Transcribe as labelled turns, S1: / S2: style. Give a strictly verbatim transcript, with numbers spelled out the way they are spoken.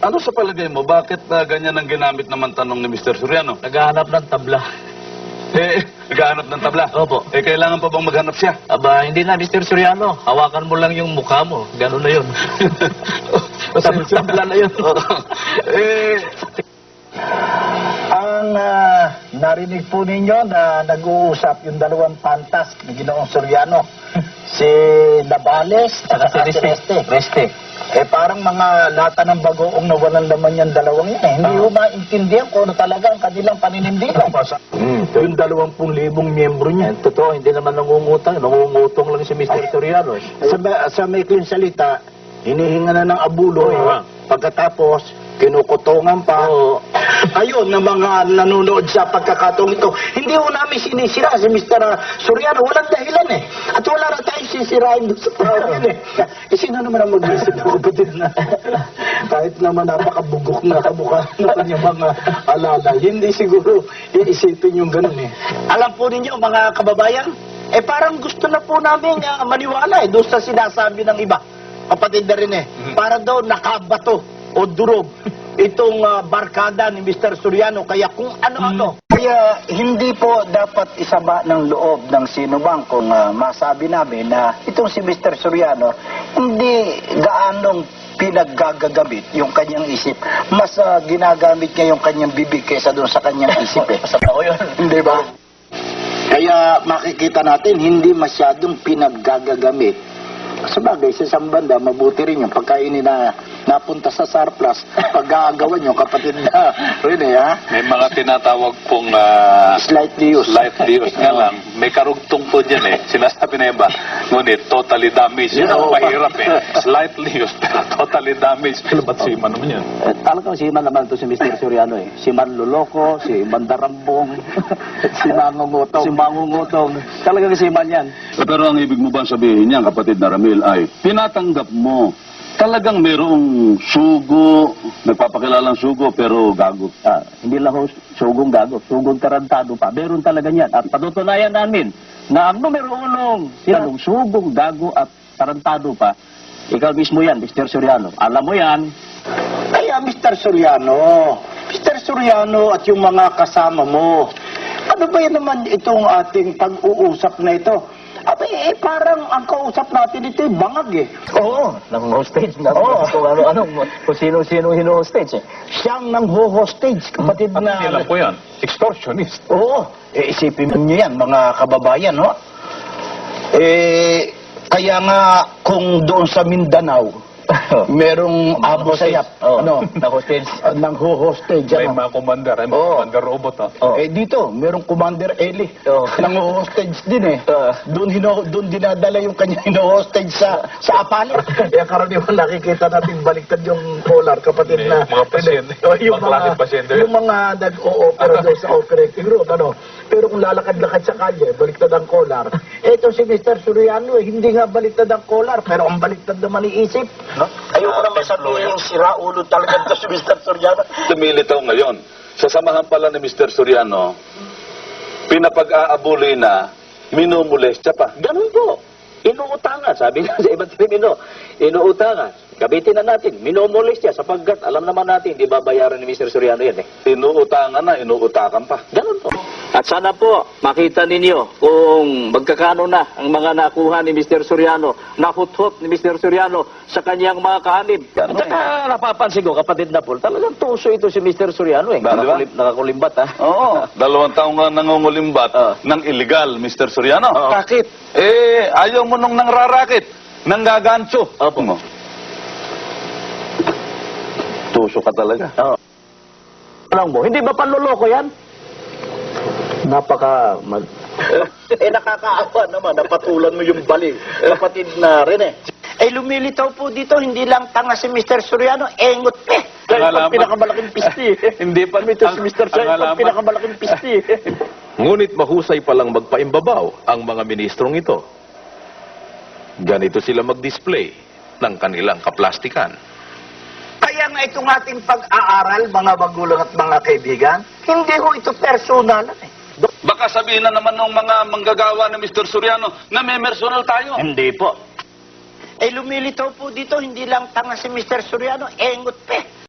S1: Ano sa palagay mo? Bakit na ganyan ang ginamit naman tanong ni mister Soriano?
S2: Naghahanap ng tabla.
S1: Eh, naghahanap ng tabla.
S2: Opo.
S1: Eh, kailangan pa bang maghanap siya?
S2: Aba, hindi na, mister Soriano. Hawakan mo lang yung mukha mo. Ganun na yun. Tab tabla na yun.
S1: Eh,
S3: Ang ah, narinig po ninyo na nag-uusap yung dalawang pantas ni Ginoong Soriano, si Navales at si Reste.
S2: Reste.
S3: Eh parang mga lata ng bagoong na walang laman yung dalawang yan eh. Hindi ko maintindihan kung ano talaga ang kanilang paninindigan.
S2: Hmm.
S3: Yung dalawampung libong miyembro niya.
S2: Eh, totoo, hindi naman nangungutang. Nangungutong lang si mister Soriano. Eh.
S3: Sa, sa maikling salita, hinihinga na ng abulo eh.
S2: Oo.
S3: Pagkatapos, kinukutungan pa.
S2: Oo.
S3: Ayun, na mga nanonood sa pagkakataong ito. Hindi ho namin sinisira si mister Soriano. Walang dahilan eh. At wala na tayong sisirain doon sa tao yun eh. Eh, sino naman ang mag-isip ng kapatid na kahit naman napakabugok na kamukha ng kanyang mga alala. Hindi siguro iisipin yung ganun eh. Alam po ninyo, mga kababayan, eh parang gusto na po namin uh, maniwala eh doon sa sinasabi ng iba. Kapatid na rin eh. Para daw nakabato o durog itong uh, barkada ni mister Soriano. Kaya kung ano-ano. Kaya hindi po dapat isama ng loob ng sinumang kung uh, masabi namin na itong si mister Soriano hindi gaanong pinaggagagamit yung kanyang isip. Mas uh, ginagamit niya yung kanyang bibig kaysa doon sa kanyang isip eh.
S2: Sa tao yun.
S3: Hindi ba? Kaya makikita natin hindi masyadong pinaggagagamit. Sa bagay, sa isang banda, mabuti rin yung pagkainin na napunta sa surplus, pag-aagawan yung kapatid na rin eh, ha?
S1: may mga tinatawag pong ah,
S3: Slightly used.
S1: slightly used nga lang. May karugtong po dyan eh. Sinasabi na iba. Ngunit, totally damaged. Yun ang
S3: Oo.
S1: mahirap eh. Slightly used, pero totally damaged. Ba't si Iman naman yan?
S2: Eh, talagang si Iman naman ito si mister Soriano eh. Si Manluloko, si Mandarambong,
S3: Si Mangungutong.
S2: si Mangungutong. Talagang si Iman yan.
S1: Pero ang ibig mo ba sabihin niyan, kapatid na Ramil, ay tinatanggap mo talagang merong sugo, nagpapakilalang sugo, pero gago.
S2: Ah, hindi lang ho sugong gago, sugong tarantado pa. Meron talaga yan. At patutunayan namin na ang numero unong sinanong sugong gago at tarantado pa, ikaw mismo yan, mister Soriano. Alam mo yan.
S3: Kaya mister Soriano, mister Soriano at yung mga kasama mo, ano ba yan naman itong ating pag-uusap na ito? Abay, eh, parang ang kausap natin ito, bangag eh.
S2: Oo, nang hostage na.
S3: Oo.
S2: Kung ano-ano, kung sino-sino hino-hostage eh.
S3: Siyang nang ho-hostage, kapatid na...
S1: Alam ko yan, extortionist.
S3: Oo, eh, isipin niyo yan, mga kababayan, no? Eh, kaya nga, kung doon sa Mindanao, merong abo sayap,
S2: Oh,
S3: ano,
S2: na hostage.
S3: uh, nang ho-hostage,
S1: May
S3: ano?
S1: mga commander, may mga
S3: Oo.
S1: commander robot ha.
S2: Oh.
S3: Eh dito, merong Commander Eli.
S2: Oh.
S3: Nang hostage din eh.
S2: Oh.
S3: Doon hino doon dinadala yung kanya hino-hostage sa sa apale. Kaya karaniwan nakikita natin baliktad yung collar, kapatid
S1: May
S3: na
S1: mga pasyente,
S3: Oh, yung
S1: mga klaseng pasyente.
S3: yung mga nag-o-opera doon sa operating room, ano. Pero kung lalakad-lakad sa kalye, baliktad ang collar. Ito si mister Soriano, eh, hindi nga baliktad ang collar, pero ang baliktad naman iisip. No? Ayoko naman sabihin sira ulo talaga ito si mister Soriano.
S1: Lumilitaw ngayon. Sa samahan pala ni mister Soriano, pinapag-aabuli na, minumulestya pa.
S2: Ganun po. Inuutangan. Sabi nga sa ibang termino, inuutangan. Gabitin na natin. Minomoles siya sapagkat alam naman natin, di babayaran ni mister Soriano yan eh.
S1: Inuutangan na, inuutakan pa.
S2: Ganun po. At sana po, makita ninyo kung magkakano na ang mga nakuha ni mister Soriano, nahuthot ni mister Soriano sa kanyang mga kaanib. At saka napapansin ko, kapatid na po, talagang tuso ito si mister Soriano eh.
S1: Ba, di ba?
S2: Nakakulim, nakakulimbat ha.
S1: Oo. Dalawang taong nga nangungulimbat
S2: Ah.
S1: ng illegal, mister Soriano.
S2: Oo.
S1: Bakit? Eh, ayaw mo nung nangrarakit, nang gagancho.
S2: Opo.
S1: Mo. Tuso ka talaga.
S2: Oo. Alam mo, hindi ba panloloko yan? Napaka mag...
S3: Eh, nakakaawa naman, napatulan mo yung bali. Kapatid na rin eh. Eh, lumilitaw po dito, hindi lang tanga si mister Soriano, engot eh. Dahil
S1: Ang
S3: pag
S1: alaman-
S3: pinakamalaking pisti.
S1: Hindi pa.
S3: Ito si mister
S1: Ang
S3: Soriano,
S1: alaman-
S3: pag pinakamalaking pisti.
S4: Ngunit mahusay palang magpaimbabaw ang mga ministrong ito. Ganito sila mag-display ng kanilang kaplastikan.
S3: Kaya nga itong ating pag-aaral, mga magulang at mga kaibigan, hindi ho ito personal eh.
S1: Baka sabihin na naman ng mga manggagawa ni mister Soriano na may personal tayo.
S2: Hindi po.
S3: Eh, lumilitaw po dito, hindi lang tanga si mister Soriano, engot eh.